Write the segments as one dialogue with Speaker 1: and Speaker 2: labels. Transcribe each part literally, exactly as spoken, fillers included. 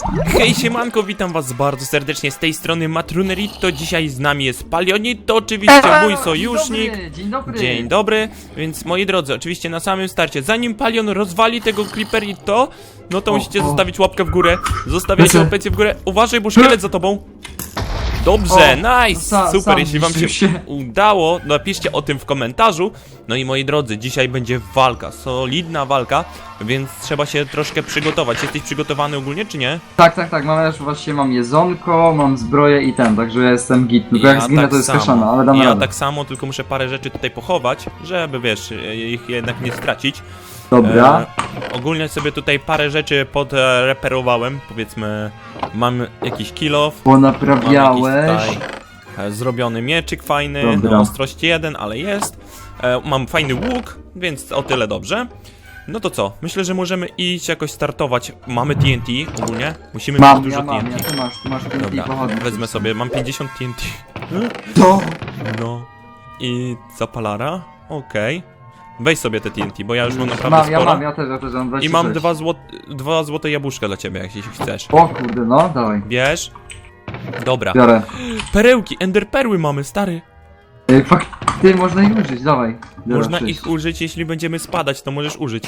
Speaker 1: Hej siemanko, witam was bardzo serdecznie z tej strony Matrunerito. Dzisiaj z nami jest Palionit, to oczywiście mój sojusznik.
Speaker 2: Dzień dobry, dzień dobry.
Speaker 1: Dzień dobry, więc moi drodzy, oczywiście na samym starcie, zanim Palion rozwali tego Creeperito, no to
Speaker 2: O,
Speaker 1: musicie
Speaker 2: o.
Speaker 1: zostawić łapkę w górę. Zostawiajcie
Speaker 2: Lecę.
Speaker 1: łapkę w górę. Uważaj, bo szkielet za tobą. Dobrze,
Speaker 2: O,
Speaker 1: nice,
Speaker 2: sa-
Speaker 1: super,
Speaker 2: sam
Speaker 1: jeśli wam się,
Speaker 2: zniszczył się.
Speaker 1: udało, napiszcie o tym w komentarzu. No i moi drodzy, dzisiaj będzie walka, solidna walka, więc trzeba się troszkę przygotować. Jesteś przygotowany ogólnie, czy nie?
Speaker 2: Tak, tak, tak, mam już właśnie mam jedzonko, mam zbroję i ten, także ja jestem git. Tylko jak zginę to jest kaszana, ale damy
Speaker 1: Ja
Speaker 2: radę.
Speaker 1: tak samo, tylko muszę parę rzeczy tutaj pochować, żeby wiesz, ich jednak nie stracić.
Speaker 2: Dobra.
Speaker 1: E, ogólnie sobie tutaj parę rzeczy podreperowałem, powiedzmy, mam jakiś kill off.
Speaker 2: Ponaprawiałeś.
Speaker 1: Mam jakiś tutaj e, zrobiony mieczyk fajny,
Speaker 2: Dobra.
Speaker 1: no, ostrość jeden, ale jest. E, mam fajny łuk, więc o tyle dobrze. No to co? Myślę, że możemy iść jakoś startować. Mamy T N T ogólnie. Musimy
Speaker 2: Mam,
Speaker 1: mieć dużo
Speaker 2: ja mam,
Speaker 1: T N
Speaker 2: ja
Speaker 1: T.
Speaker 2: ty masz, ty masz T N T
Speaker 1: Dobra,
Speaker 2: pochodnie.
Speaker 1: wezmę sobie, mam pięćdziesiąt T N T.
Speaker 2: To!
Speaker 1: No. I zapalara? Okej. Weź sobie te T N T, bo ja już mam naprawdę
Speaker 2: Mam, ja
Speaker 1: sporo.
Speaker 2: mam, ja też, ja też mam dwadzieścia
Speaker 1: I mam
Speaker 2: sześć.
Speaker 1: dwa, złot dwa złote jabłuszka dla ciebie, jeśli chcesz.
Speaker 2: O kurde, no, dawaj.
Speaker 1: Bierz. Dobra.
Speaker 2: Biorę.
Speaker 1: Perełki, enderperły mamy, stary.
Speaker 2: Ej, fakt, ty, można ich użyć, dawaj. Biorę
Speaker 1: Można
Speaker 2: sześć.
Speaker 1: ich użyć, jeśli będziemy spadać, to możesz użyć.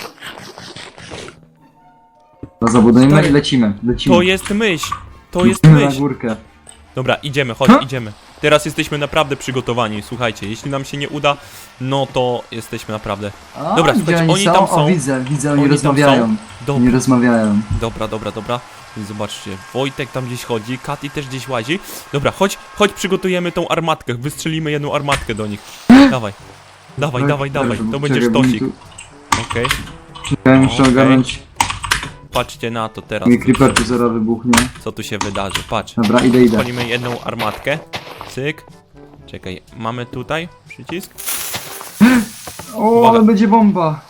Speaker 2: To zabudujemy
Speaker 1: Stary,
Speaker 2: i lecimy, lecimy.
Speaker 1: To jest myśl. To jest
Speaker 2: Lecimy na
Speaker 1: myśl.
Speaker 2: górkę.
Speaker 1: Dobra, idziemy, chodź,
Speaker 2: Ha?
Speaker 1: idziemy. Teraz jesteśmy naprawdę przygotowani, słuchajcie, jeśli nam się nie uda, no to jesteśmy naprawdę...
Speaker 2: A,
Speaker 1: Dobra,
Speaker 2: gdzie
Speaker 1: słuchajcie, oni tam są.
Speaker 2: O, widzę, widzę, oni,
Speaker 1: Oni tam
Speaker 2: rozmawiają.
Speaker 1: są. Dobra.
Speaker 2: Oni rozmawiają.
Speaker 1: Dobra, dobra, dobra. Więc zobaczcie, Wojtek tam gdzieś chodzi, Katy też gdzieś łazi. Dobra, chodź, chodź, przygotujemy tą armatkę. Wystrzelimy jedną armatkę do nich. Dawaj, dawaj,
Speaker 2: Oj,
Speaker 1: dawaj, dawaj.
Speaker 2: dobrze,
Speaker 1: To będzie
Speaker 2: czekaj, bo mi
Speaker 1: sztosik.
Speaker 2: tu-
Speaker 1: Okej,
Speaker 2: Czekaj, muszę
Speaker 1: Okej.
Speaker 2: ogarnąć.
Speaker 1: patrzcie na to teraz,
Speaker 2: Mi creeper tu zaraz wybuchnie.
Speaker 1: co tu się wydarzy. Patrz,
Speaker 2: Dobra, idę, idę.
Speaker 1: palimy jedną armatkę. Cyk. Czekaj, mamy tutaj przycisk.
Speaker 2: O,
Speaker 1: Uwaga.
Speaker 2: ale będzie bomba.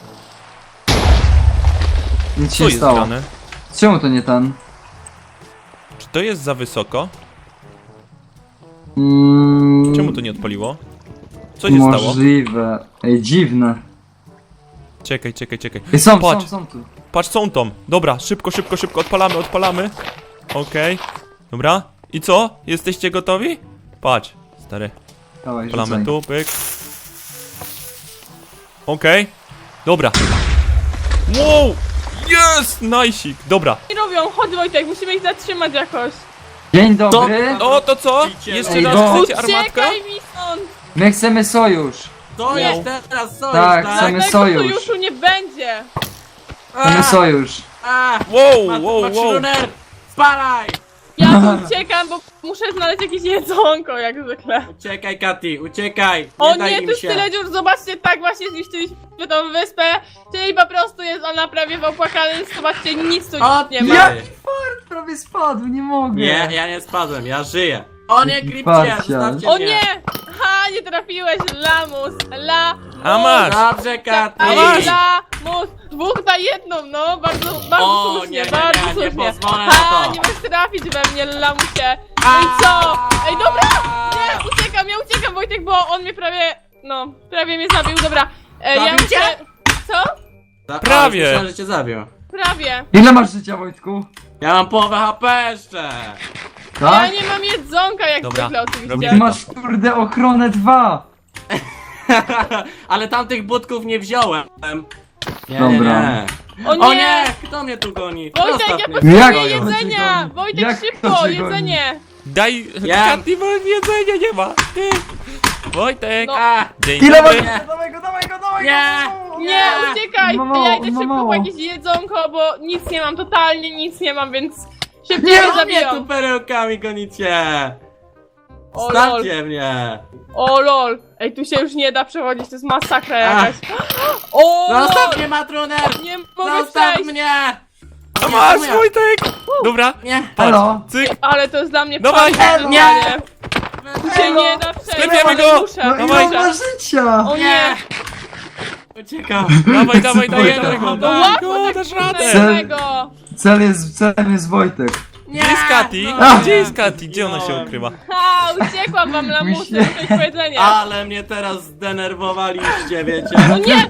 Speaker 2: Nic się
Speaker 1: Co
Speaker 2: nie
Speaker 1: jest
Speaker 2: stało.
Speaker 1: grane?
Speaker 2: Czemu to nie ten?
Speaker 1: Czy to jest za wysoko?
Speaker 2: Mm,
Speaker 1: Czemu to nie odpaliło? Co się stało?
Speaker 2: Możliwe. Ej, dziwne.
Speaker 1: Czekaj, czekaj, czekaj.
Speaker 2: Ej, są,
Speaker 1: Patrz.
Speaker 2: są, są tu.
Speaker 1: Patrz, są tam. Dobra, szybko, szybko, szybko, odpalamy, odpalamy. Okej. Dobra. I co? Jesteście gotowi? Patrz, stary.
Speaker 2: Dawaj,
Speaker 1: Odpalamy
Speaker 2: rzucaj.
Speaker 1: tu, pyk. Okej. Dobra. Wow! Jest! Najsik! Dobra.
Speaker 3: Nie robią, chodź Wojtek, musimy ich zatrzymać jakoś.
Speaker 2: Dzień dobry.
Speaker 1: O, to co? Jeszcze
Speaker 2: Ej,
Speaker 1: raz
Speaker 2: no.
Speaker 1: chcecie armatkę?
Speaker 3: Uciekaj mi stąd!
Speaker 2: My chcemy sojusz.
Speaker 4: To
Speaker 3: Nie.
Speaker 4: jest teraz sojusz,
Speaker 2: Tak,
Speaker 4: tak?
Speaker 2: chcemy
Speaker 3: Tego
Speaker 2: sojusz.
Speaker 3: sojuszu nie będzie!
Speaker 2: Chcemy sojusz.
Speaker 4: A,
Speaker 1: Wow,
Speaker 4: Mat-
Speaker 1: wow, wow.
Speaker 4: Matruner, spalaj!
Speaker 3: Ja tu uciekam, bo muszę znaleźć jakieś jedzonko, jak zwykle.
Speaker 4: Uciekaj, Katy, uciekaj! Nie
Speaker 3: O
Speaker 4: daj
Speaker 3: nie,
Speaker 4: im
Speaker 3: tu jest
Speaker 4: się.
Speaker 3: tyle dziur, zobaczcie, tak właśnie zniszczyliśmy tą wyspę, czyli po prostu jest ona prawie w opłakanym, zobaczcie, nic tu
Speaker 4: O,
Speaker 3: nie ma.
Speaker 2: Jaki fart prawie spadł, nie mogę.
Speaker 4: Nie, ja nie spadłem, ja żyję. O nie, Kripcie,
Speaker 2: Parcia.
Speaker 4: zostawcie
Speaker 3: O
Speaker 4: mnie.
Speaker 3: nie! Ha, nie trafiłeś, lamus, la...
Speaker 1: A masz!
Speaker 4: Dobrze, Katy!
Speaker 3: A
Speaker 1: masz.
Speaker 3: lamus! Dwóch na jedną, no, bardzo, bardzo
Speaker 4: O,
Speaker 3: słusznie,
Speaker 4: nie, nie,
Speaker 3: bardzo
Speaker 4: nie, nie
Speaker 3: słusznie.
Speaker 4: pozwolę na
Speaker 3: Ha,
Speaker 4: to.
Speaker 3: nie możesz trafić we mnie, lamusie. No i co? Ej, dobra! Nie, uciekam, ja uciekam, Wojtek, bo on mnie prawie, no, prawie mnie zabił, dobra. E, ja
Speaker 4: Zabił cię?
Speaker 3: muszę... Co?
Speaker 4: Ta-
Speaker 1: Prawie.
Speaker 4: O, myślałem, że cię zabił.
Speaker 3: Prawie.
Speaker 2: Ile masz życia, Wojtku?
Speaker 4: Ja mam połowę H P jeszcze.
Speaker 3: Ja
Speaker 2: Tak?
Speaker 3: nie mam jedzonka, jak
Speaker 1: Dobra,
Speaker 3: zwykle oczywiście.
Speaker 1: robimy
Speaker 2: Ty masz kurde ochronę dwa.
Speaker 4: Ale tamtych budków nie wziąłem. Nie,
Speaker 2: Dobra.
Speaker 4: nie, nie.
Speaker 3: O nie!
Speaker 4: O nie! Kto mnie tu goni?
Speaker 3: Wojtek,
Speaker 4: Zostaw
Speaker 3: ja
Speaker 4: mnie.
Speaker 3: potrzebuję
Speaker 2: Jak
Speaker 4: Gonią.
Speaker 2: to
Speaker 3: jedzenia!
Speaker 2: cię goni?
Speaker 3: Wojtek,
Speaker 2: Jak to
Speaker 3: szybko,
Speaker 2: cię goni?
Speaker 3: jedzenie!
Speaker 1: Daj,
Speaker 4: Ja-
Speaker 1: Katy, bo jedzenia nie ma. Ty. Wojtek.
Speaker 3: No.
Speaker 4: A,
Speaker 1: Dzień
Speaker 2: Ile masz
Speaker 1: dobry.
Speaker 2: życia? Dawaj go, dawaj go, dawaj
Speaker 4: Nie.
Speaker 2: go!
Speaker 3: Nie, uciekaj!
Speaker 2: Ma mało,
Speaker 3: Ja idę
Speaker 2: ma
Speaker 3: szybko
Speaker 2: mało.
Speaker 3: po jakieś jedzonko, bo nic nie mam, totalnie nic nie mam, więc szybciej
Speaker 2: Nie,
Speaker 3: mnie
Speaker 4: co mnie tu
Speaker 3: zabiją.
Speaker 4: perełkami gonicie?
Speaker 3: O lol,
Speaker 4: Stawcie mnie!
Speaker 3: o lol. Ej, tu się już nie da przechodzić, to jest masakra
Speaker 4: Ach.
Speaker 3: jakaś. O
Speaker 4: Zostaw
Speaker 3: lol!
Speaker 4: mnie, Matruner!
Speaker 3: Nie mogę
Speaker 4: Zostaw
Speaker 3: przejść!
Speaker 4: mnie!
Speaker 1: A
Speaker 4: Nie,
Speaker 1: masz,
Speaker 4: moja.
Speaker 1: Wojtek. Dobra.
Speaker 4: Nie!
Speaker 1: Patrz.
Speaker 2: Halo?
Speaker 1: Cyk.
Speaker 3: Ale to jest dla mnie
Speaker 1: Dawaj.
Speaker 3: fajne
Speaker 4: Nie.
Speaker 3: zadanie. Tu się nie da przejść,
Speaker 1: Sklepiemy
Speaker 3: ale
Speaker 1: go.
Speaker 3: muszę,
Speaker 2: No
Speaker 1: Dawaj.
Speaker 2: ile
Speaker 3: muszę.
Speaker 2: masz życia?
Speaker 3: O nie!
Speaker 4: Uciekam!
Speaker 1: Dawaj, dawaj,
Speaker 2: Wojtek.
Speaker 1: dajemy go.
Speaker 3: No
Speaker 1: Daj
Speaker 3: łatwo
Speaker 1: go,
Speaker 3: tak
Speaker 1: dasz radę.
Speaker 2: Cel-
Speaker 3: trudnego.
Speaker 2: Cel jest, celem jest Wojtek.
Speaker 4: Nie!
Speaker 1: Gdzie jest Katy?
Speaker 4: No.
Speaker 1: Gdzie jest Katy? Gdzie ona się ukrywa?
Speaker 3: Ha, uciekłam wam lamusy,
Speaker 2: Myślę-
Speaker 3: to jest powiedzenie.
Speaker 4: Ale mnie teraz zdenerwowaliście, wiecie?
Speaker 3: No nie!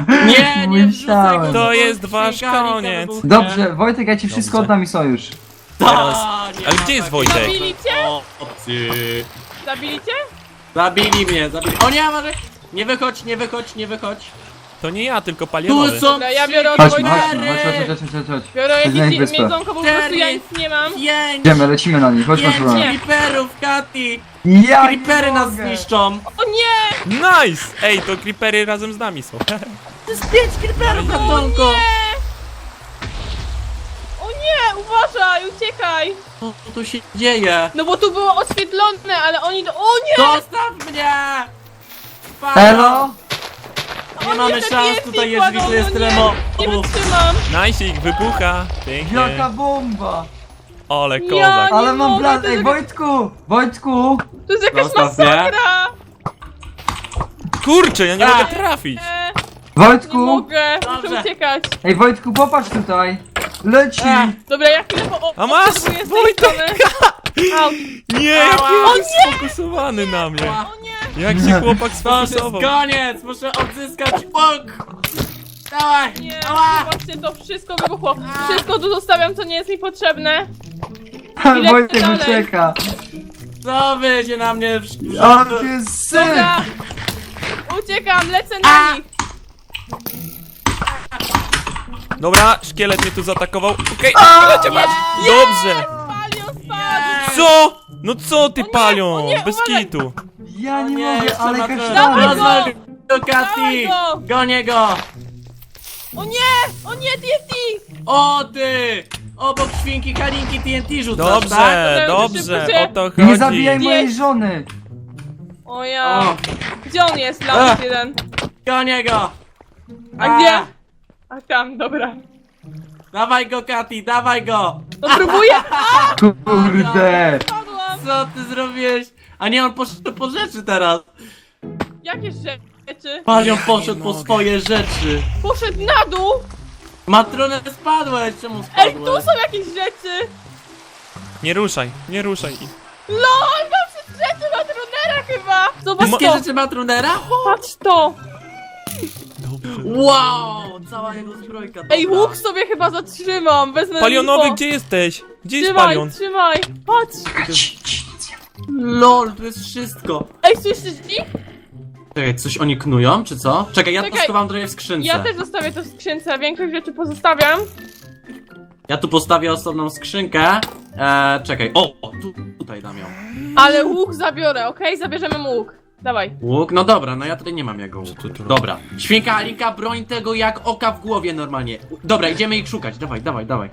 Speaker 4: Nie, nie wrzucaj go
Speaker 2: Musiałem.
Speaker 4: do
Speaker 1: To jest
Speaker 4: silnika,
Speaker 1: wasz
Speaker 4: silnika
Speaker 1: koniec.
Speaker 4: wybuchnie.
Speaker 2: Dobrze, Wojtek, ja ci wszystko
Speaker 1: Dobrze.
Speaker 2: oddam i sojusz.
Speaker 1: Teraz...
Speaker 4: Ta, nie
Speaker 1: Ale
Speaker 4: ma
Speaker 1: gdzie jest
Speaker 4: takiej
Speaker 1: Wojtek?
Speaker 3: Zabili cię?
Speaker 4: opcji.
Speaker 3: Zabili cię?
Speaker 4: Zabili mnie, zabili. O nie, może... Nie wychodź, nie wychodź, nie wychodź.
Speaker 1: To nie ja, tylko
Speaker 4: Tu
Speaker 1: palionowy.
Speaker 4: są
Speaker 3: Dobra, ja
Speaker 4: trzy
Speaker 3: biorę od
Speaker 2: Chodźmy,
Speaker 3: Wojtka.
Speaker 2: chodźmy, chodź, chodź, chodź, chodź, chodź, chodź.
Speaker 3: Biorę
Speaker 2: Chodź na ich
Speaker 3: jakieś
Speaker 2: wyspę.
Speaker 3: miedzonko, bo po prostu ja
Speaker 4: Cztery.
Speaker 3: nic nie mam.
Speaker 4: Pięć!
Speaker 2: Idziemy, lecimy na nich, chodź, chodź,
Speaker 4: Pięć
Speaker 2: chodź.
Speaker 4: creeperów, Kati!
Speaker 2: Ja nie
Speaker 4: Creepery nas
Speaker 2: mogę.
Speaker 4: zniszczą!
Speaker 3: O nie!
Speaker 1: Nice! Ej, to creepery razem z nami są.
Speaker 4: To jest pięć creeperów, Katonko!
Speaker 3: O nie! Uważaj, uciekaj!
Speaker 4: Co tu się dzieje?
Speaker 3: No bo tu było oświetlone, ale oni do... O nie!
Speaker 4: Zostaw mnie! Spadam.
Speaker 2: Elo?
Speaker 4: Nie
Speaker 3: Oni
Speaker 4: mamy
Speaker 3: te
Speaker 4: szans,
Speaker 3: T N T
Speaker 4: tutaj jest
Speaker 3: kładą,
Speaker 4: widzę, jest
Speaker 3: no
Speaker 4: tyle
Speaker 3: nie, Nie
Speaker 4: mobów.
Speaker 3: wytrzymam!
Speaker 1: Nice, ich wybucha. Pięknie.
Speaker 2: Jaka bomba!
Speaker 1: Ole
Speaker 3: Ja
Speaker 1: kozak.
Speaker 3: nie
Speaker 2: Ale mam
Speaker 3: mogę,
Speaker 2: plan,
Speaker 3: to
Speaker 2: ej
Speaker 3: jest-
Speaker 2: Wojtku! Wojtku!
Speaker 3: To jest jakaś
Speaker 4: Zostaw mnie.
Speaker 3: masakra!
Speaker 1: Kurczę, ja nie
Speaker 4: A.
Speaker 1: mogę trafić.
Speaker 3: E, nie
Speaker 2: Wojtku!
Speaker 3: mogę, muszę
Speaker 4: Dobrze.
Speaker 3: uciekać.
Speaker 2: Ej Wojtku, popatrz tutaj! Leci!
Speaker 4: E.
Speaker 3: Dobra, ja chwilę po... o-
Speaker 1: A masz,
Speaker 3: obserwuję z tej
Speaker 1: Wojtek!
Speaker 3: strony. Au.
Speaker 1: Nie, jaki
Speaker 4: Ała.
Speaker 1: on jest sfokusowany na mnie.
Speaker 4: Ała.
Speaker 3: O nie!
Speaker 1: Jak się chłopak
Speaker 4: To już jest
Speaker 1: sfokusował.
Speaker 4: koniec! Muszę odzyskać łuk! Dawaj!
Speaker 3: Nie,
Speaker 4: Ała!
Speaker 3: zobaczcie, to wszystko wybuchło. Wszystko tu zostawiam, co nie jest mi potrzebne. Ile
Speaker 2: Wojtek
Speaker 3: dalej?
Speaker 2: ucieka!
Speaker 4: Co wy się na mnie...
Speaker 2: O, to jest syn!
Speaker 3: Dobra! Uciekam, lecę na
Speaker 4: A.
Speaker 3: nich!
Speaker 1: Dobra, szkielet mnie tu zaatakował. Okej, lecie masz.
Speaker 3: Nie!
Speaker 1: Dobrze.
Speaker 3: Palion spadł!
Speaker 1: Co? No co ty
Speaker 3: O nie,
Speaker 1: palią?
Speaker 3: o nie,
Speaker 1: Bez
Speaker 3: uważaj.
Speaker 1: kitu.
Speaker 2: Ja nie,
Speaker 4: Nie,
Speaker 2: mogę,
Speaker 4: jeszcze
Speaker 2: ale
Speaker 4: ma to-
Speaker 3: Dawaj
Speaker 2: kasztany!
Speaker 3: go!
Speaker 4: Rozwal go, Kati!
Speaker 3: Dawaj go!
Speaker 4: Gonię go!
Speaker 3: O nie! O nie, T N T!
Speaker 4: O ty! Obok świnki Kalinki T N T rzucasz, tak?
Speaker 1: Dobrze,
Speaker 3: Dobra,
Speaker 1: dobrze,
Speaker 3: szybko się-
Speaker 1: o to chodzi.
Speaker 2: Nie zabijaj mojej żony!
Speaker 3: O ja...
Speaker 4: O,
Speaker 3: Gdzie on jest? Lamus
Speaker 4: Ech.
Speaker 3: jeden.
Speaker 4: gonię go!
Speaker 3: A gdzie? A tam, dobra.
Speaker 4: Dawaj go, Kati, dawaj go!
Speaker 3: No próbuję! A!
Speaker 2: Kurde!
Speaker 3: Padłam!
Speaker 4: Co ty zrobiłeś? A nie, on poszedł po rzeczy teraz.
Speaker 3: Jakie rzeczy?
Speaker 4: Palion poszedł
Speaker 1: nie
Speaker 4: po
Speaker 1: mogę.
Speaker 4: swoje rzeczy.
Speaker 3: Poszedł na dół!
Speaker 4: Matronę spadłeś, czemu
Speaker 3: Ej, tu
Speaker 4: spadłeś?
Speaker 3: są jakieś rzeczy!
Speaker 1: Nie ruszaj, nie ruszaj ich.
Speaker 3: LOL, mam wszystkie rzeczy na Tronera chyba! Zobacz
Speaker 4: Wszystkie
Speaker 3: to!
Speaker 4: rzeczy Matronera?
Speaker 3: Patrz to!
Speaker 1: Dobrze.
Speaker 4: Wow! Cała jego zbrojka.
Speaker 3: Ej,
Speaker 4: dobra.
Speaker 3: łuk sobie chyba zatrzymam, wezmę
Speaker 1: Palionowy,
Speaker 3: info.
Speaker 1: gdzie jesteś? Gdzie jest
Speaker 3: Trzymaj,
Speaker 1: palion?
Speaker 3: trzymaj! Patrz!
Speaker 4: Lol, tu jest wszystko.
Speaker 3: Ej, słyszysz ich?
Speaker 4: Czekaj, coś oni knują, czy co? Czekaj, ja
Speaker 3: Czekaj.
Speaker 4: to schowam trochę w skrzynce.
Speaker 3: Ja też zostawię to w skrzynce, większość rzeczy pozostawiam.
Speaker 4: Ja tu postawię osobną skrzynkę. Eee, czekaj, o, o tu, tutaj dam ją.
Speaker 3: Ale łuk zabiorę, okej? Zabierzemy mu łuk. Dawaj.
Speaker 4: Łuk, no dobra, no ja tutaj nie mam jego łuku.
Speaker 1: tu robi?
Speaker 4: Dobra, świnka Alinka, broń tego jak oka w głowie normalnie. Dobra, idziemy ich szukać, dawaj, dawaj, dawaj.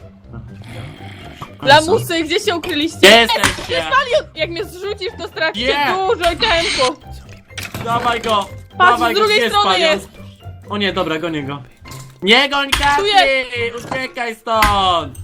Speaker 3: Lamusy, gdzie się ukryliście?
Speaker 4: Gdzie jesteście?
Speaker 3: Palion! Jak mnie zrzucisz, to stracicie
Speaker 4: Nie.
Speaker 3: dużo tempo.
Speaker 4: Dawaj go!
Speaker 3: Patrz,
Speaker 4: dawaj
Speaker 3: z drugiej
Speaker 4: go, gdzie
Speaker 3: strony
Speaker 4: palion?
Speaker 3: jest.
Speaker 4: O nie, dobra, gonię go. Nie goń Kati!
Speaker 3: Tu
Speaker 4: Uciekaj stąd!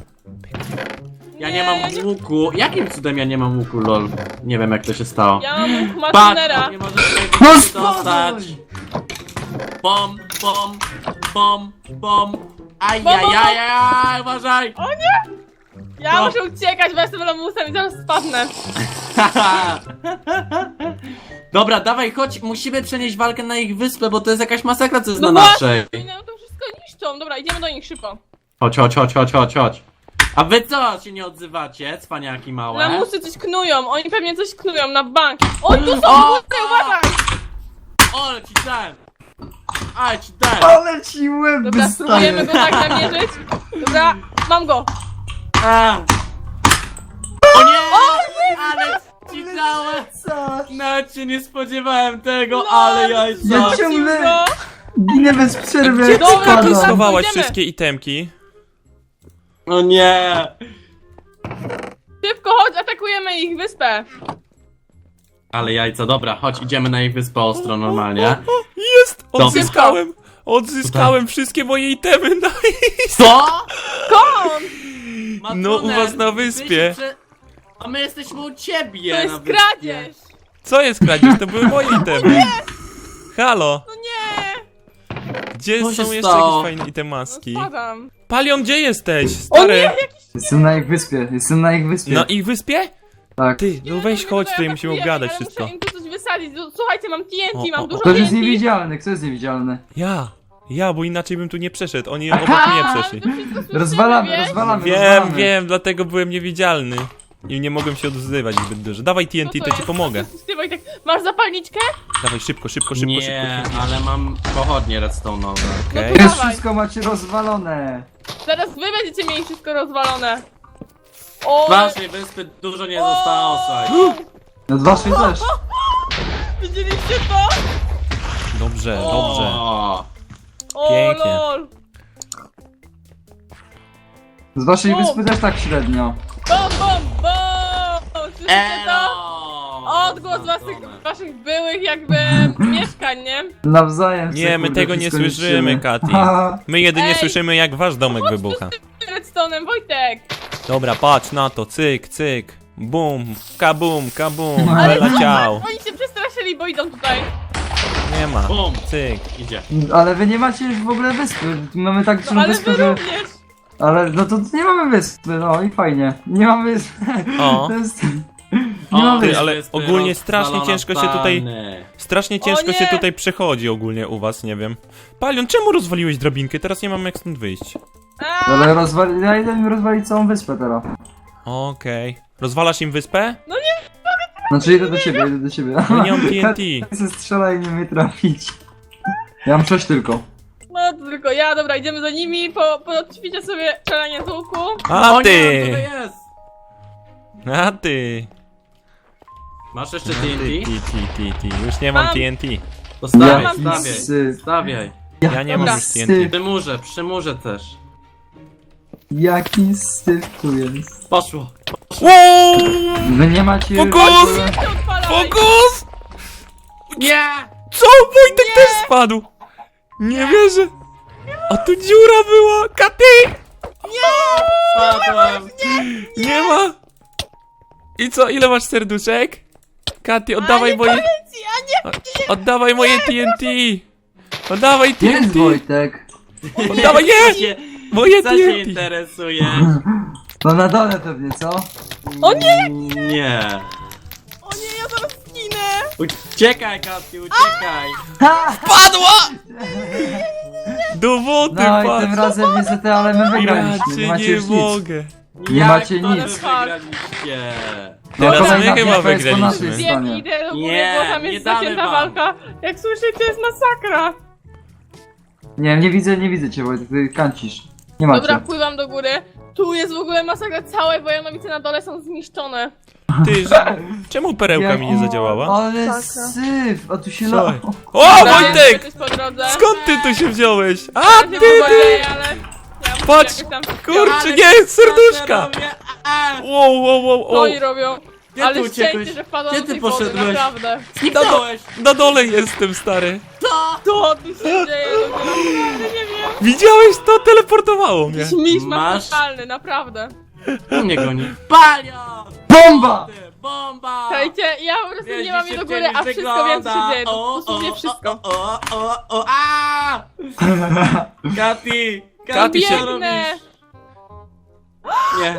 Speaker 4: Ja nie, mam
Speaker 3: ja nie-
Speaker 4: łuku. Jakim cudem ja nie mam łuku, lol? Nie wiem jak to się stało.
Speaker 3: Ja mam łuk
Speaker 4: Patrz,
Speaker 3: Martinera.
Speaker 4: nie możesz tego
Speaker 2: No
Speaker 4: dostać.
Speaker 2: spadaj!
Speaker 4: Bom, bom, bom, bom. Aj,
Speaker 3: Bom,
Speaker 4: aj,
Speaker 3: bom,
Speaker 4: aj, aj, uważaj!
Speaker 3: O nie! Ja
Speaker 4: No.
Speaker 3: muszę uciekać, bo jestem lamusem i zaraz spadnę.
Speaker 4: Dobra, dawaj, chodź, musimy przenieść walkę na ich wyspę, bo to jest jakaś masakra, co jest
Speaker 3: No
Speaker 4: na
Speaker 3: właśnie.
Speaker 4: naszej.
Speaker 3: I no to wszystko niszczą. Dobra, idziemy do nich szybko.
Speaker 4: Chodź, chodź, chodź, chodź, chodź, chodź. A wy co się nie odzywacie, cwaniaki małe?
Speaker 3: Lamusy coś knują, oni pewnie coś knują na bank. Oj, tu są,
Speaker 4: O!
Speaker 3: tutaj, uważaj!
Speaker 4: O, ale ci dałem! Ale ci dałem!
Speaker 2: Ale ci łeb
Speaker 3: Dobra, spróbujemy
Speaker 2: wystaje!
Speaker 3: go tak namierzyć. Dobra, mam go.
Speaker 4: A. O nie! Ale ci dałem!
Speaker 2: Co?
Speaker 4: Nawet się nie spodziewałem tego,
Speaker 3: No,
Speaker 4: ale jajca!
Speaker 2: Ja ciągle
Speaker 3: Go.
Speaker 2: ginę bez przerwy,
Speaker 1: Gdzie
Speaker 2: jak
Speaker 1: ty
Speaker 3: Dobra,
Speaker 1: tu
Speaker 3: to
Speaker 2: spadam.
Speaker 3: za-
Speaker 1: schowałaś
Speaker 3: Idziemy.
Speaker 1: wszystkie itemki?
Speaker 4: O nie!
Speaker 3: Szybko, chodź, atakujemy ich wyspę.
Speaker 4: Ale jajca, dobra, chodź, idziemy na ich wyspę ostro normalnie.
Speaker 1: O, jest! Odzyskałem! Odzyskałem wszystkie moje itemy, nice!
Speaker 4: Co?
Speaker 3: Skąd?
Speaker 1: No, u was na
Speaker 4: ty się
Speaker 1: wyspie.
Speaker 4: prze- A my jesteśmy u ciebie
Speaker 3: To
Speaker 4: na
Speaker 3: jest
Speaker 4: wyspie.
Speaker 3: kradzież.
Speaker 1: Co jest kradzież? To były moje itemy. Halo!
Speaker 3: No nie.
Speaker 1: Gdzie
Speaker 4: Co
Speaker 1: są
Speaker 4: się
Speaker 1: jeszcze
Speaker 4: stało?
Speaker 1: jakieś fajne
Speaker 3: No
Speaker 1: itemaski?
Speaker 3: spadam.
Speaker 1: Palion, gdzie jesteś?
Speaker 3: O nie,
Speaker 1: Stary!
Speaker 3: jakiś...
Speaker 2: Jestem na ich wyspie, jestem na ich wyspie.
Speaker 1: Na ich wyspie?
Speaker 2: Tak.
Speaker 1: Ty, no weź chodź,
Speaker 3: Dobra,
Speaker 1: tutaj musimy
Speaker 3: atakujemy,
Speaker 1: obgadać
Speaker 3: ale
Speaker 1: wszystko.
Speaker 3: Muszę im tu coś wysadzić. Słuchajcie, mam T N T,
Speaker 1: O,
Speaker 3: mam
Speaker 1: o,
Speaker 3: dużo
Speaker 2: Ktoś jest
Speaker 3: T N T.
Speaker 2: niewidzialny, kto jest niewidzialny?
Speaker 1: Ja! Ja, bo inaczej bym tu nie przeszedł. Oni obok mnie przeszli.
Speaker 3: To wszystko słyszymy,
Speaker 2: Rozwalamy,
Speaker 3: wiesz?
Speaker 2: rozwalamy,
Speaker 1: Wiem,
Speaker 2: rozwalamy.
Speaker 1: wiem, dlatego byłem niewidzialny. I nie mogłem się odzywać zbyt dużo. Dawaj T N T,
Speaker 3: Co
Speaker 1: to ci
Speaker 3: jest?
Speaker 1: pomogę.
Speaker 3: Ty, Wojtek, masz zapalniczkę?
Speaker 1: Dawaj szybko, szybko, szybko,
Speaker 4: Nie,
Speaker 1: szybko.
Speaker 4: ale mam pochodnie redstone'owe.
Speaker 1: Okej.
Speaker 3: No
Speaker 2: Już
Speaker 3: Dawaj.
Speaker 2: wszystko macie rozwalone.
Speaker 3: Zaraz wy będziecie mieli wszystko rozwalone. O,
Speaker 4: Z waszej wyspy dużo nie zostało, słuchaj.
Speaker 2: No z waszej też.
Speaker 3: widzieliście to?
Speaker 1: Dobrze, dobrze.
Speaker 4: O,
Speaker 3: O,
Speaker 1: Pięknie.
Speaker 3: lol.
Speaker 2: Z waszej
Speaker 3: O.
Speaker 2: wyspy też tak średnio.
Speaker 3: Bom, bom, bom! Słyszycie to?
Speaker 4: Elo!
Speaker 3: Odgłos waszych, waszych byłych jakby mieszkań, nie?
Speaker 2: Nawzajem.
Speaker 1: Nie,
Speaker 2: se,
Speaker 1: my
Speaker 2: kurde,
Speaker 1: tego nie
Speaker 2: wszystko
Speaker 1: słyszymy,
Speaker 2: niszczymy.
Speaker 1: Katy.
Speaker 2: Ha,
Speaker 1: My jedynie
Speaker 3: Ej!
Speaker 1: słyszymy, jak wasz domek wybucha.
Speaker 3: Redstone'em, Wojtek!
Speaker 1: Dobra, patrz na to, cyk, cyk. Bum, kabum, kabum,
Speaker 2: Ale-
Speaker 1: wyleciał.
Speaker 3: Oni się przestraszyli, bo idą tutaj.
Speaker 1: Nie ma.
Speaker 4: Bum.
Speaker 1: Cyk.
Speaker 4: Idzie.
Speaker 2: Ale wy nie macie już w ogóle wyspy. Mamy tak dużą
Speaker 3: No, ale
Speaker 2: wyspę,
Speaker 3: wy
Speaker 2: że...
Speaker 3: również.
Speaker 2: Ale no to nie mamy wyspy, no i fajnie. Nie mamy wyspy.
Speaker 1: O.
Speaker 2: To jest...
Speaker 4: O,
Speaker 2: Nie mamy
Speaker 1: ty,
Speaker 2: wyspy.
Speaker 1: ale
Speaker 4: wyspy
Speaker 1: ogólnie strasznie
Speaker 4: rozwalone
Speaker 1: ciężko się tutaj-
Speaker 4: plany.
Speaker 1: Strasznie ciężko
Speaker 3: nie!
Speaker 1: się tutaj przechodzi ogólnie u was, nie wiem. Palion, czemu rozwaliłeś drabinkę? Teraz nie mam jak stąd wyjść.
Speaker 3: A,
Speaker 2: Ale rozwali... Ja idę mi rozwalić całą wyspę teraz.
Speaker 1: Okej. Rozwalasz im wyspę?
Speaker 2: Znaczy idę do ciebie, idę do ciebie.
Speaker 1: No nie mam T N T.
Speaker 2: Chcę strzelać i nie mnie trafić. Ja mam sześć tylko.
Speaker 3: no to tylko ja, dobra, idziemy za nimi, po, poćwiczę sobie strzelanie z łuku.
Speaker 1: A
Speaker 4: O nie,
Speaker 1: ty!
Speaker 4: tutaj jest!
Speaker 1: A ty!
Speaker 4: Masz jeszcze
Speaker 1: Ty,
Speaker 4: T N
Speaker 1: ty,
Speaker 4: T?
Speaker 1: ty, ty, ty. Już nie mam
Speaker 3: Mam.
Speaker 1: T N T.
Speaker 4: To stawiaj,
Speaker 2: Jaki
Speaker 4: stawiaj.
Speaker 2: syf.
Speaker 4: Stawiaj.
Speaker 1: Ja nie mam
Speaker 3: Dobra.
Speaker 1: już T N T.
Speaker 2: Syf.
Speaker 4: Przy murze, przy murze też.
Speaker 2: Jaki syf tu jest.
Speaker 4: Poszło.
Speaker 1: Wow!
Speaker 2: Wy nie macie...
Speaker 1: Fokus!
Speaker 3: Ty odpalaj!
Speaker 1: Fokus!
Speaker 4: Nie!
Speaker 1: Co? Wojtek też spadł! Nie wierzę! A tu dziura była! Katy!
Speaker 4: Spadłem!
Speaker 1: Nie ma! I co, ile masz serduszek? Katy, oddawaj moje...
Speaker 3: A nie,
Speaker 1: Oddawaj moje T N T! Oddawaj
Speaker 2: Gdzie jest
Speaker 1: T N T!
Speaker 2: Wojtek?
Speaker 1: Oddawaj, nie!
Speaker 4: Cię-
Speaker 1: Moje
Speaker 4: Co
Speaker 1: T
Speaker 4: się
Speaker 1: N T!
Speaker 4: interesuje?
Speaker 2: No na dole pewnie, co?
Speaker 3: O nie!
Speaker 4: Nie!
Speaker 3: O nie, ja zaraz zginę!
Speaker 4: Uciekaj, Katy, uciekaj!
Speaker 2: Ha!
Speaker 1: Padła! Do wody
Speaker 2: No i tym
Speaker 1: padł!
Speaker 2: razem niestety, ale my
Speaker 1: Ja
Speaker 2: wygraliśmy, nie
Speaker 1: cię
Speaker 2: macie
Speaker 1: nie
Speaker 2: już nic.
Speaker 1: mogę!
Speaker 2: Nie
Speaker 4: Jak
Speaker 2: macie
Speaker 4: to
Speaker 2: nic.
Speaker 4: wy wygraliście?
Speaker 2: No,
Speaker 1: Teraz
Speaker 2: kolejna
Speaker 1: my chyba
Speaker 2: bitwa jest po
Speaker 1: wygraliśmy.
Speaker 2: naszej
Speaker 3: Wiem,
Speaker 2: stronie.
Speaker 3: idę do góry,
Speaker 4: Nie,
Speaker 3: bo tam
Speaker 4: nie
Speaker 3: jest
Speaker 4: damy
Speaker 3: zacięta
Speaker 4: wam.
Speaker 3: walka. Jak słyszycie, jest masakra.
Speaker 2: Nie, nie widzę, nie widzę cię Wojtek, ty kancisz. Nie macie.
Speaker 3: Dobra, pływam do góry. Tu jest w ogóle masakra, całe Wojanowice na dole są zniszczone.
Speaker 1: Ty, że... czemu perełka mi nie
Speaker 2: Jak-
Speaker 1: zadziałała?
Speaker 2: Ale
Speaker 3: Masakra.
Speaker 2: syf, a tu się
Speaker 1: Co?
Speaker 2: la...
Speaker 1: O,
Speaker 3: Dobra,
Speaker 1: Wojtek!
Speaker 3: jesteś po drodze.
Speaker 1: Skąd ty tu się wziąłeś? A,
Speaker 3: Ja
Speaker 1: ty,
Speaker 3: się
Speaker 1: ty!
Speaker 3: poboleję, ale... Ja muszę
Speaker 1: Patrz,
Speaker 3: jakoś tam...
Speaker 1: Kurczę,
Speaker 4: Ale
Speaker 1: nie, serduszka!
Speaker 4: robię, a, a.
Speaker 1: Wow, wow, wow,
Speaker 3: Co
Speaker 1: wow.
Speaker 3: oni robią?
Speaker 4: Gdzie
Speaker 3: Ale
Speaker 4: ty uciekłeś?
Speaker 3: szczęście, że wpadłam
Speaker 4: Gdzie
Speaker 3: do
Speaker 4: ty
Speaker 3: tej wody,
Speaker 4: poszedłeś?
Speaker 3: naprawdę.
Speaker 4: Zniknąłeś!
Speaker 1: Na dole jestem, stary.
Speaker 3: Co tu się dzieje? Naprawdę nie wiem.
Speaker 1: Widziałeś to? Teleportowało mnie.
Speaker 3: Śmisz
Speaker 4: Masz?
Speaker 3: totalny, naprawdę.
Speaker 4: Tu mnie goni. Palion!
Speaker 2: Bomba!
Speaker 4: Bomba!
Speaker 3: Słuchajcie, ja po prostu
Speaker 4: Wiesz,
Speaker 3: nie mam
Speaker 4: gdzie
Speaker 3: jej do
Speaker 4: szybciej
Speaker 3: góry, a
Speaker 4: niż
Speaker 3: wszystko wiem, co się
Speaker 4: wygląda.
Speaker 3: dzieje.
Speaker 4: O,
Speaker 3: Dosłownie
Speaker 4: o,
Speaker 3: wszystko.
Speaker 4: O, o, o, o, a! Katy!
Speaker 1: Katy się-
Speaker 4: co
Speaker 3: Biegnę!
Speaker 4: robisz? Nie.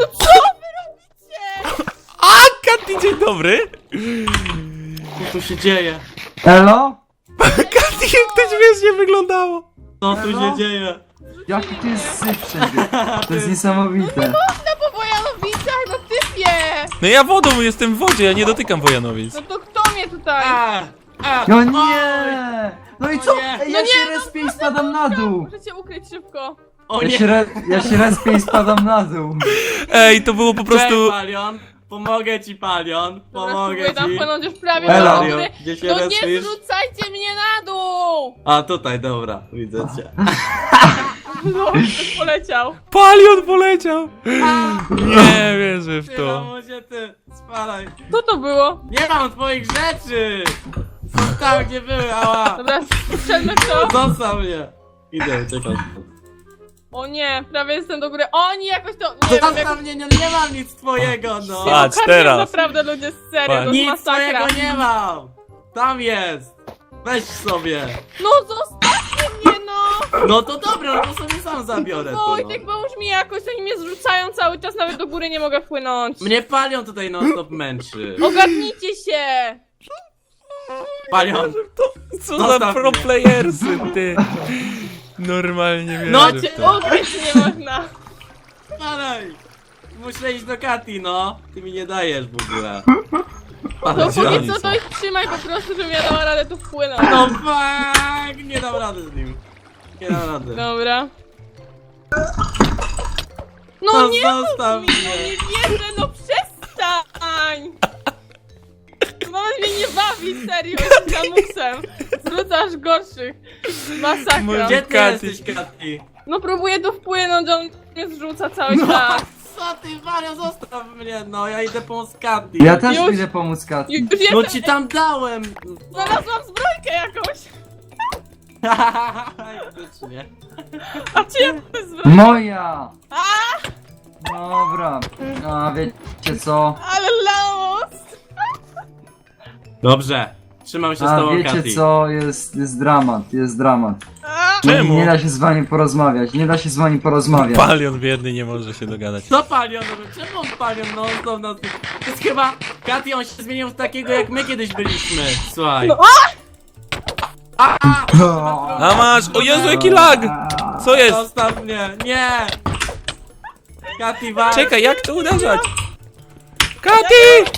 Speaker 1: A, Katy, dzień dobry.
Speaker 4: Co tu się dzieje?
Speaker 2: Elo?
Speaker 1: Katy, jak to śmiesznie wyglądało.
Speaker 4: Co tu
Speaker 2: Elo?
Speaker 4: się dzieje?
Speaker 2: Jaki tu jest syf wszędzie. To jest niesamowite.
Speaker 3: No po Wojanowicach, no typie!
Speaker 1: No ja wodą jestem w wodzie, ja nie dotykam Wojanowic.
Speaker 3: No to kto mnie tutaj?
Speaker 4: A, a,
Speaker 2: No
Speaker 4: oj.
Speaker 2: nie! No i
Speaker 4: O
Speaker 2: co?
Speaker 4: nie.
Speaker 2: Ej,
Speaker 3: No
Speaker 2: ja
Speaker 3: nie,
Speaker 2: się respię i spadam na dół.
Speaker 3: Muszę cię ukryć szybko.
Speaker 4: O
Speaker 2: Ja
Speaker 4: nie!
Speaker 2: się, re... ja się respię i spadam na dół.
Speaker 1: Ej, to było po
Speaker 4: Cześć,
Speaker 1: prostu...
Speaker 4: Palion! Pomogę ci, Palion!
Speaker 3: Dobra,
Speaker 4: Pomogę
Speaker 3: spróbuję tam
Speaker 4: ci!
Speaker 3: wpłynąć już prawie
Speaker 2: Elo.
Speaker 3: do góry.
Speaker 4: Gdzie się
Speaker 3: No nie
Speaker 4: respisz?
Speaker 3: zrzucajcie mnie na dół!
Speaker 4: A, tutaj, dobra, widzę cię.
Speaker 3: No, ktoś poleciał.
Speaker 1: Palion poleciał. Nie wierzę w
Speaker 4: Ty,
Speaker 1: to.
Speaker 4: mamusie, ty, spalaj.
Speaker 3: Co to było?
Speaker 4: Nie mam twoich rzeczy! Są tam, gdzie były, ała!
Speaker 3: Dobra, strzelmy w to.
Speaker 4: Zostaw mnie! Idę, czekaj.
Speaker 3: O nie, prawie jestem do góry. Oni jakoś to... Nie wiem, jak...
Speaker 4: Zostaw mnie, nie, nie mam nic twojego, no!
Speaker 1: Patrz,
Speaker 3: Ogarniam
Speaker 1: teraz.
Speaker 3: Naprawdę ludzie, serio,
Speaker 1: Patrz.
Speaker 3: to jest
Speaker 4: Nic
Speaker 3: masakra.
Speaker 4: twojego nie mam! Tam jest! Weź sobie!
Speaker 3: No zostawcie mnie, no!
Speaker 4: No to dobra, no to sobie sam zabiorę to, no.
Speaker 3: Wojtek, pomóż mi jakoś, oni mnie zrzucają cały czas, nawet do góry nie mogę wpłynąć.
Speaker 4: Mnie Palion tutaj non stop męczy.
Speaker 3: Ogarnijcie się!
Speaker 4: Palion!
Speaker 1: To, co za
Speaker 4: Zostaw
Speaker 1: pro
Speaker 4: mnie.
Speaker 1: playersy, ty. Normalnie wierzę
Speaker 4: No
Speaker 1: w
Speaker 4: cię-
Speaker 1: to.
Speaker 3: Ukryć nie można.
Speaker 4: Spadaj! Muszę iść do Kati, no. Ty mi nie dajesz w ogóle.
Speaker 3: To
Speaker 1: Gdzie
Speaker 3: póki
Speaker 1: oni
Speaker 3: co
Speaker 1: są?
Speaker 3: to ich trzymaj po prostu, żebym ja dała radę tu wpłynąć.
Speaker 4: No fuck! Nie dam rady z nim. Nie dam rady.
Speaker 3: Dobra. No
Speaker 4: No
Speaker 3: nie
Speaker 4: zostaw
Speaker 3: mów mi,
Speaker 4: mnie.
Speaker 3: no nie wierzę, no przestań! To nawet mnie nie bawi, serio, z lamusem. Zrzucasz gorszych. Masakra.
Speaker 1: Może-
Speaker 4: Gdzie ty
Speaker 1: Kati.
Speaker 4: jesteś, Kati?
Speaker 3: No próbuję tu wpłynąć, on mnie zrzuca cały
Speaker 4: No
Speaker 3: czas.
Speaker 4: co ty, Mario, zostaw mnie, no. Ja idę pomóc Kati.
Speaker 2: Ja też
Speaker 3: Już-
Speaker 2: idę pomóc Kati.
Speaker 3: Już
Speaker 4: No
Speaker 3: jestem,
Speaker 4: ci tam dałem!
Speaker 3: znalazłam zbrojkę jakąś.
Speaker 4: Faktycznie.
Speaker 3: A cię zbrojkę,
Speaker 2: Moja! Dobra. A wiecie co?
Speaker 3: ale lamus.
Speaker 4: Dobrze. Trzymam się z
Speaker 2: A
Speaker 4: tobą,
Speaker 2: wiecie
Speaker 4: Kati.
Speaker 2: co? Jest, jest dramat, jest dramat.
Speaker 3: A,
Speaker 1: Czemu?
Speaker 2: Nie da się z wami porozmawiać, nie da się z wami porozmawiać.
Speaker 1: Palion biedny nie może się dogadać.
Speaker 4: Co Palion robi? Czemu on Palion non stop na tym? To jest chyba... Kati, on się zmienił w takiego, jak my kiedyś byliśmy. Słuchaj.
Speaker 3: No,
Speaker 4: A!
Speaker 1: A masz! O Jezu, jaki lag! Co jest?
Speaker 4: Zostaw mnie! Nie! Kati, walcz!
Speaker 1: Czekaj, jak to uderzać? Kati!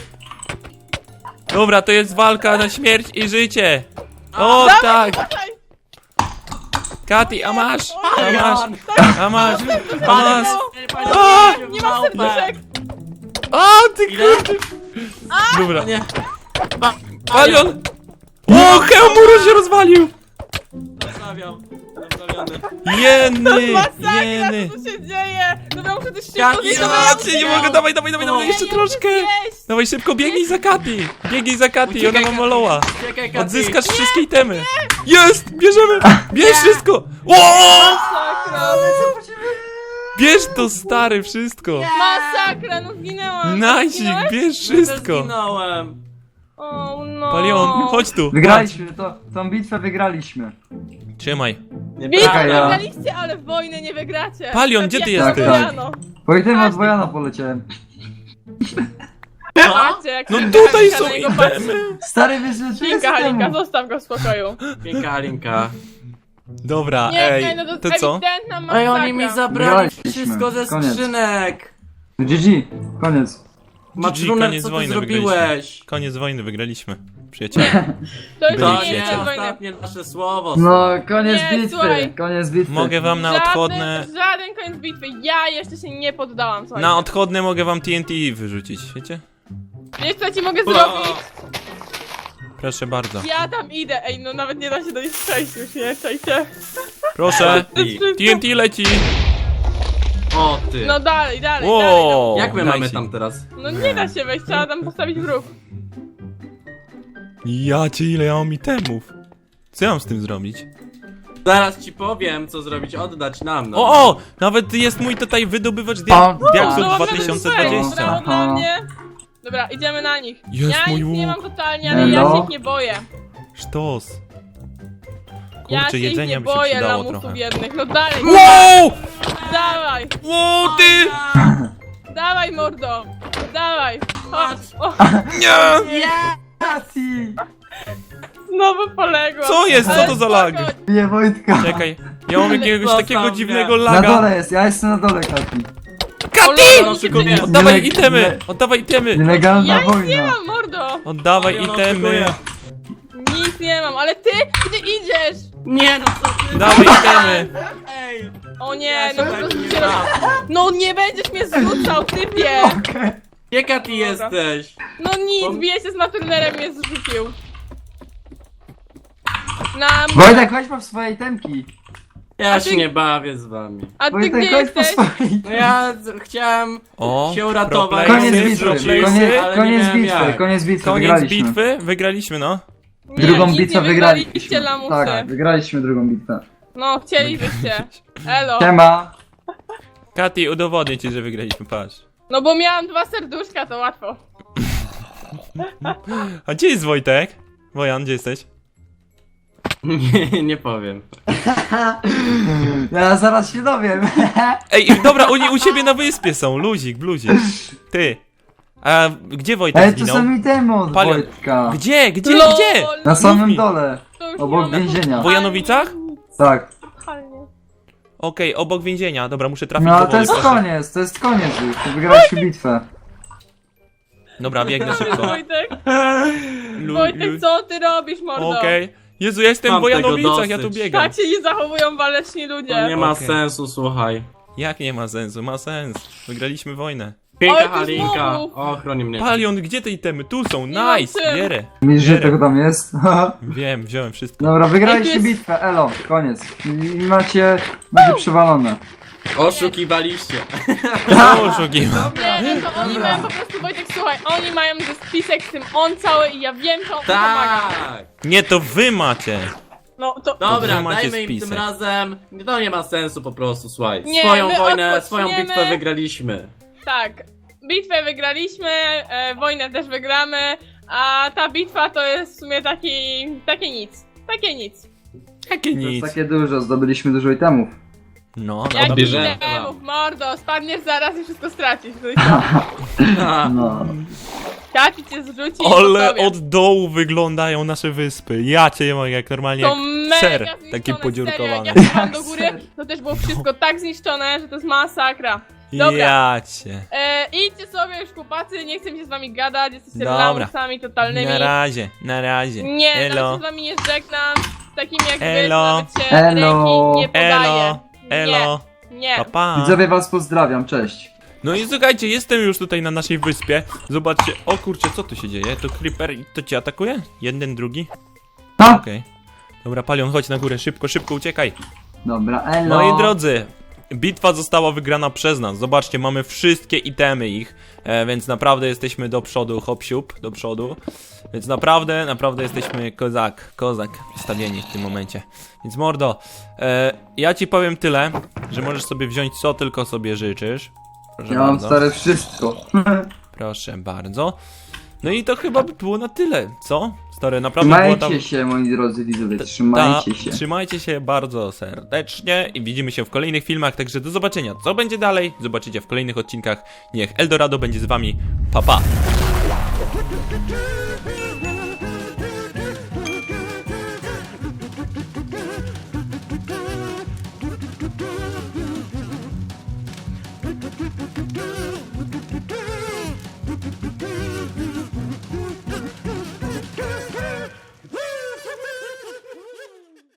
Speaker 1: Dobra, to jest walka na śmierć i życie. O tak!
Speaker 3: Czekaj,
Speaker 1: Kati, a masz! A masz!
Speaker 4: Palion!
Speaker 1: A masz! A
Speaker 4: Palion!
Speaker 1: masz!
Speaker 4: Palion!
Speaker 1: A!
Speaker 3: nie mam serduszek.
Speaker 1: O ty
Speaker 4: Ile?
Speaker 1: kurde! Dobra.
Speaker 4: Nie.
Speaker 1: Palion! O, Heomuro się rozwalił!
Speaker 4: Zostawiam. Zostawiony.
Speaker 1: Jeny!
Speaker 3: Masakra,
Speaker 1: Jeny!
Speaker 3: co tu się dzieje? Dobra, muszę też szybko
Speaker 4: Jaki
Speaker 3: zjeść,
Speaker 1: Ja
Speaker 3: dobra, ja
Speaker 1: cię nie
Speaker 3: muszę
Speaker 1: mogę, dawaj, dawaj, dawaj, dawaj, jeszcze
Speaker 3: Ja nie muszę
Speaker 1: troszkę!
Speaker 3: zjeść.
Speaker 1: Dawaj szybko, biegnij za Kati! Biegnij za Kati, ona
Speaker 4: Uciekaj,
Speaker 1: ma
Speaker 4: Kati.
Speaker 1: moloła!
Speaker 4: Uciekaj, Kati.
Speaker 1: Odzyskasz wszystkie itemy! Jest! Bierzemy! Bierz wszystko! O!
Speaker 3: Masakra,
Speaker 1: Bierz to stary, wszystko!
Speaker 3: masakra, no zginęłam.
Speaker 1: Nazik,
Speaker 3: Zginąłeś?
Speaker 1: bierz
Speaker 4: Ja też
Speaker 1: wszystko!
Speaker 4: zginąłem.
Speaker 3: O no.
Speaker 1: Palion, chodź tu!
Speaker 2: Wygraliśmy, to, tą bitwę wygraliśmy.
Speaker 1: Trzymaj.
Speaker 4: Nie
Speaker 3: Bitwę
Speaker 2: Czekaj, ja-
Speaker 3: wygraliście, ale wojny nie wygracie.
Speaker 1: Palion, gdzie ty
Speaker 3: Jak
Speaker 2: jesteś?
Speaker 3: Wojano.
Speaker 2: Po itemy od Wojana poleciałem.
Speaker 3: Patrzcie, jak
Speaker 1: No
Speaker 3: się
Speaker 1: tutaj
Speaker 3: Halinka
Speaker 1: są
Speaker 3: na niego patrzy.
Speaker 1: itemy!
Speaker 2: Stary, wiesz, że czy jest
Speaker 3: Halinka, Halinka,
Speaker 2: temu?
Speaker 3: zostaw go w spokoju.
Speaker 4: Piękna Alinka.
Speaker 1: Dobra,
Speaker 3: Nie,
Speaker 1: ej,
Speaker 3: nie, no to,
Speaker 1: to co?
Speaker 3: ewidentna masakra.
Speaker 4: Ej, oni mi zabrali
Speaker 2: Wygraliśmy.
Speaker 4: wszystko ze
Speaker 2: Koniec.
Speaker 4: skrzynek.
Speaker 2: G G, koniec.
Speaker 4: Matruner,
Speaker 1: koniec
Speaker 4: co ty
Speaker 1: wojny
Speaker 4: zrobiłeś?
Speaker 1: Koniec wojny, wygraliśmy. Przyjaciele.
Speaker 3: To już
Speaker 1: Byli
Speaker 3: nie
Speaker 4: To
Speaker 3: jest
Speaker 4: nie,
Speaker 1: przyjaciele.
Speaker 3: wojny.
Speaker 4: ostatnie nasze słowo.
Speaker 2: No, koniec
Speaker 3: Nie,
Speaker 2: bitwy,
Speaker 3: słuchaj.
Speaker 2: koniec bitwy.
Speaker 1: Mogę wam na
Speaker 3: Żaden-
Speaker 1: odchodne...
Speaker 3: Żaden koniec bitwy, ja jeszcze się nie poddałam, słuchaj.
Speaker 1: Na odchodne mogę wam T N T wyrzucić, wiecie?
Speaker 3: Wiesz co ci mogę
Speaker 4: O!
Speaker 3: zrobić?
Speaker 1: Proszę bardzo.
Speaker 3: Ja tam idę, ej, no nawet nie da się do nich przejść już, nie? Czajcie.
Speaker 1: Proszę!
Speaker 4: Ty.
Speaker 1: T N T leci!
Speaker 4: O ty.
Speaker 3: No dalej, dalej, dalej.
Speaker 1: Wow!
Speaker 4: Jak my
Speaker 1: dajcie.
Speaker 4: mamy tam teraz?
Speaker 3: No. no nie da się wejść, trzeba tam postawić wróg.
Speaker 1: Ja cię, ile ja mam itemów. Co ja mam z tym zrobić?
Speaker 4: Zaraz ci powiem, co zrobić, oddać nam. No.
Speaker 1: O, o! Nawet jest mój tutaj wydobywacz dia
Speaker 2: O,
Speaker 1: diaksów
Speaker 3: No,
Speaker 1: dwa tysiące dwadzieścia.
Speaker 3: Brawo
Speaker 2: Aha.
Speaker 3: dla mnie. Dobra, idziemy na nich.
Speaker 1: Jest
Speaker 3: ja
Speaker 1: mój
Speaker 3: nic nie
Speaker 1: łuk.
Speaker 3: mam totalnie, ale ja
Speaker 2: Elo.
Speaker 3: się ich nie boję.
Speaker 1: Sztos.
Speaker 3: Ja
Speaker 1: Kurczę,
Speaker 3: się ich
Speaker 1: jedzenia
Speaker 3: nie
Speaker 1: by się
Speaker 3: boję
Speaker 1: przydało
Speaker 3: lamusów
Speaker 1: trochę.
Speaker 3: jednych. No dalej,
Speaker 1: Wow!
Speaker 3: dawaj,
Speaker 1: Wow, ty!
Speaker 3: dawaj mordo. Dawaj. Chodź. O,
Speaker 1: Nie!
Speaker 2: Kati!
Speaker 3: znowu poległa.
Speaker 1: Co jest? Co
Speaker 3: Ale
Speaker 1: to za lag?
Speaker 3: spoko.
Speaker 2: Bije Wojtka.
Speaker 1: Czekaj, ja mam jakiegoś
Speaker 4: Zostaw
Speaker 1: takiego
Speaker 4: mnie.
Speaker 1: dziwnego
Speaker 2: Na
Speaker 1: laga.
Speaker 2: dole jest, ja jestem na dole, Kati.
Speaker 1: Kati!
Speaker 4: No, szykuję.
Speaker 1: Oddawaj
Speaker 2: Nie-
Speaker 1: itemy!
Speaker 2: nie-
Speaker 1: Oddawaj itemy!
Speaker 2: Nielegalna
Speaker 3: Ja nic nie
Speaker 2: wojna.
Speaker 3: mam, mordo.
Speaker 1: Oddawaj
Speaker 4: Ja no,
Speaker 1: itemy!
Speaker 4: szykuję.
Speaker 3: Nic nie mam, ale ty, gdzie idziesz?
Speaker 4: Nie no co ty?
Speaker 1: Dawaj itemy!
Speaker 4: Ej!
Speaker 3: O nie,
Speaker 4: Ja
Speaker 3: no
Speaker 4: się
Speaker 3: po
Speaker 4: tak
Speaker 3: prostu
Speaker 4: nie
Speaker 3: cię roz...
Speaker 4: dam.
Speaker 3: No nie będziesz mnie zrzucał, typie.
Speaker 4: Gdzie Kati jesteś?
Speaker 3: No nic, bije się z Maturnerem, mnie zrzucił. Na...
Speaker 2: Wojtek, chodź po swoje temki.
Speaker 4: Ja
Speaker 3: A
Speaker 4: się
Speaker 3: ty-
Speaker 4: nie bawię z wami.
Speaker 3: A ty
Speaker 2: Wojtek,
Speaker 3: gdzie
Speaker 2: chodź po
Speaker 3: jesteś?
Speaker 2: swoje
Speaker 4: No ja z- chciałem
Speaker 1: O,
Speaker 4: się uratować.
Speaker 1: pro
Speaker 2: Koniec
Speaker 1: playersy,
Speaker 2: bitwy,
Speaker 1: pro playersy.
Speaker 2: koniec,
Speaker 4: ale nie
Speaker 2: koniec
Speaker 4: miałem
Speaker 2: bitwy,
Speaker 4: jak.
Speaker 2: koniec bitwy,
Speaker 1: Koniec
Speaker 2: wygraliśmy.
Speaker 1: bitwy? Wygraliśmy, no.
Speaker 3: Nie,
Speaker 2: Drugą
Speaker 3: nic
Speaker 2: bitwę
Speaker 3: nie
Speaker 2: wygraliśmy.
Speaker 3: wygraliście, lamusy.
Speaker 2: Tak, wygraliśmy drugą bitwę.
Speaker 3: No, chcielibyście. Elo.
Speaker 2: Siema.
Speaker 1: Kati, udowodnię ci, że wygraliśmy, patrz.
Speaker 3: No bo miałam dwa serduszka, to łatwo.
Speaker 1: A gdzie jest Wojtek? Wojan, gdzie jesteś?
Speaker 4: Nie, nie powiem.
Speaker 2: Ja zaraz się dowiem.
Speaker 1: Ej, dobra, oni u siebie na wyspie są, luzik, bluzik. Ty. A gdzie Wojtek
Speaker 2: Ej, to
Speaker 1: zginął?
Speaker 2: są itemy od
Speaker 1: Palion.
Speaker 2: Wojtka.
Speaker 1: Gdzie, gdzie,
Speaker 3: Lol,
Speaker 1: gdzie?
Speaker 2: Na samym
Speaker 1: mi.
Speaker 2: dole,
Speaker 3: to już
Speaker 2: obok
Speaker 3: nie mam-
Speaker 2: więzienia.
Speaker 1: W Wojanowicach?
Speaker 2: Tak.
Speaker 3: Nachalnie.
Speaker 1: Okej, obok więzienia. Dobra, muszę trafić
Speaker 2: No
Speaker 1: do
Speaker 2: ale to
Speaker 1: wody.
Speaker 2: jest
Speaker 1: proszę.
Speaker 2: koniec, to jest koniec już. To wygraliśmy bitwę.
Speaker 1: Dobra, biegnę szybko.
Speaker 3: Wojtek,
Speaker 1: Lu-
Speaker 3: Wojtek,
Speaker 1: lu-
Speaker 3: co ty robisz, mordo?
Speaker 1: Okej. Jezu, ja jestem w
Speaker 4: Mam tego
Speaker 1: Wojanowicach, ja tu
Speaker 4: dosyć.
Speaker 1: biegam.
Speaker 3: Tak się nie zachowują waleczni ludzie.
Speaker 4: To nie ma
Speaker 1: Okej.
Speaker 4: sensu, słuchaj.
Speaker 1: Jak nie ma sensu? Ma sens. Wygraliśmy wojnę.
Speaker 4: Piękna
Speaker 3: Oj, ty
Speaker 4: Halinka.
Speaker 3: znowu.
Speaker 4: O, chroni mnie.
Speaker 1: Palion, gdzie te itemy? Tu są,
Speaker 3: Nie mam
Speaker 1: nice!
Speaker 3: czym.
Speaker 1: Bierę.
Speaker 2: Widzisz, że
Speaker 1: Bierę.
Speaker 2: tego tam jest?
Speaker 1: Wiem, wziąłem wszystko.
Speaker 2: Dobra, wygraliście
Speaker 3: Ej, tu jest-
Speaker 2: bitwę, elo, koniec. I macie, będzie przewalone.
Speaker 4: Oszukiwaliście.
Speaker 1: Co oszukiwam?
Speaker 3: Nie, no to oni mają po prostu, Wojtek, słuchaj, oni mają ze spisek z tym on cały i ja wiem, co on pomaga.
Speaker 4: Tak.
Speaker 1: Nie, to wy macie.
Speaker 3: No to...
Speaker 4: Dobra,
Speaker 1: wy macie
Speaker 4: dajmy im
Speaker 1: spisek.
Speaker 4: tym razem. To nie ma sensu po prostu, słuchaj.
Speaker 3: Nie,
Speaker 4: Swoją
Speaker 3: my
Speaker 4: wojnę,
Speaker 3: odpoczniemy.
Speaker 4: swoją bitwę wygraliśmy.
Speaker 3: Tak, bitwę wygraliśmy, e, wojnę też wygramy, a ta bitwa to jest w sumie taki, takie nic, takie nic.
Speaker 1: Jakie
Speaker 2: To jest
Speaker 1: nic.
Speaker 2: takie dużo, zdobyliśmy dużo itemów.
Speaker 1: No,
Speaker 3: Jak
Speaker 1: no
Speaker 4: bierze-
Speaker 1: dobrze.
Speaker 3: demów, mordo, spadniesz zaraz i wszystko stracisz.
Speaker 2: No.
Speaker 3: Kaci cię zrzuci i
Speaker 1: Ale
Speaker 3: po tobie.
Speaker 1: od dołu wyglądają nasze wyspy. Ja cię mogę, jak normalnie
Speaker 3: To
Speaker 1: jak
Speaker 3: mega
Speaker 1: ser,
Speaker 3: zniszczone,
Speaker 1: taki
Speaker 3: serio.
Speaker 1: podziurkowany.
Speaker 3: Jak ja wpadłam do góry,
Speaker 2: Ser.
Speaker 3: to też było wszystko tak zniszczone, że to jest masakra. Dobra.
Speaker 1: Ja cię.
Speaker 3: E, idźcie sobie już chłopacy, nie chcę mi się z wami gadać, jesteście
Speaker 1: Dobra.
Speaker 3: lamusami totalnymi.
Speaker 1: Na razie, na razie.
Speaker 3: Nie, nawet
Speaker 1: Elo.
Speaker 3: się z wami nie żegnam, z takimi jak wy,
Speaker 1: Elo.
Speaker 3: to nawet się
Speaker 2: Elo.
Speaker 3: ręki nie podaje.
Speaker 1: Elo, elo,
Speaker 3: Nie, nie.
Speaker 1: pa, pa.
Speaker 2: Widzowie was pozdrawiam, cześć.
Speaker 1: No i słuchajcie, jestem już tutaj na naszej wyspie. Zobaczcie, o kurczę, co tu się dzieje? To Creeper, to cię atakuje? Jeden, drugi?
Speaker 2: Ha!
Speaker 1: Okej. Dobra, Palion, chodź na górę, szybko, szybko, uciekaj.
Speaker 2: Dobra, elo.
Speaker 1: Moi drodzy, bitwa została wygrana przez nas. Zobaczcie, mamy wszystkie itemy ich, e, więc naprawdę jesteśmy do przodu, hop siup, do przodu. Więc naprawdę, naprawdę jesteśmy kozak, kozak wstawieni w tym momencie. Więc mordo, e, ja ci powiem tyle, że możesz sobie wziąć co tylko sobie życzysz. Proszę
Speaker 2: Ja mam
Speaker 1: bardzo.
Speaker 2: stare wszystko.
Speaker 1: Proszę bardzo. No i to chyba by było na tyle, co? Stary, naprawdę było tam...
Speaker 2: Trzymajcie się, moi drodzy widzowie,
Speaker 1: Ta,
Speaker 2: trzymajcie się.
Speaker 1: Trzymajcie się bardzo serdecznie i widzimy się w kolejnych filmach, także do zobaczenia. Co będzie dalej? Zobaczycie w kolejnych odcinkach. Niech Eldorado będzie z wami. Pa, pa!
Speaker 5: Do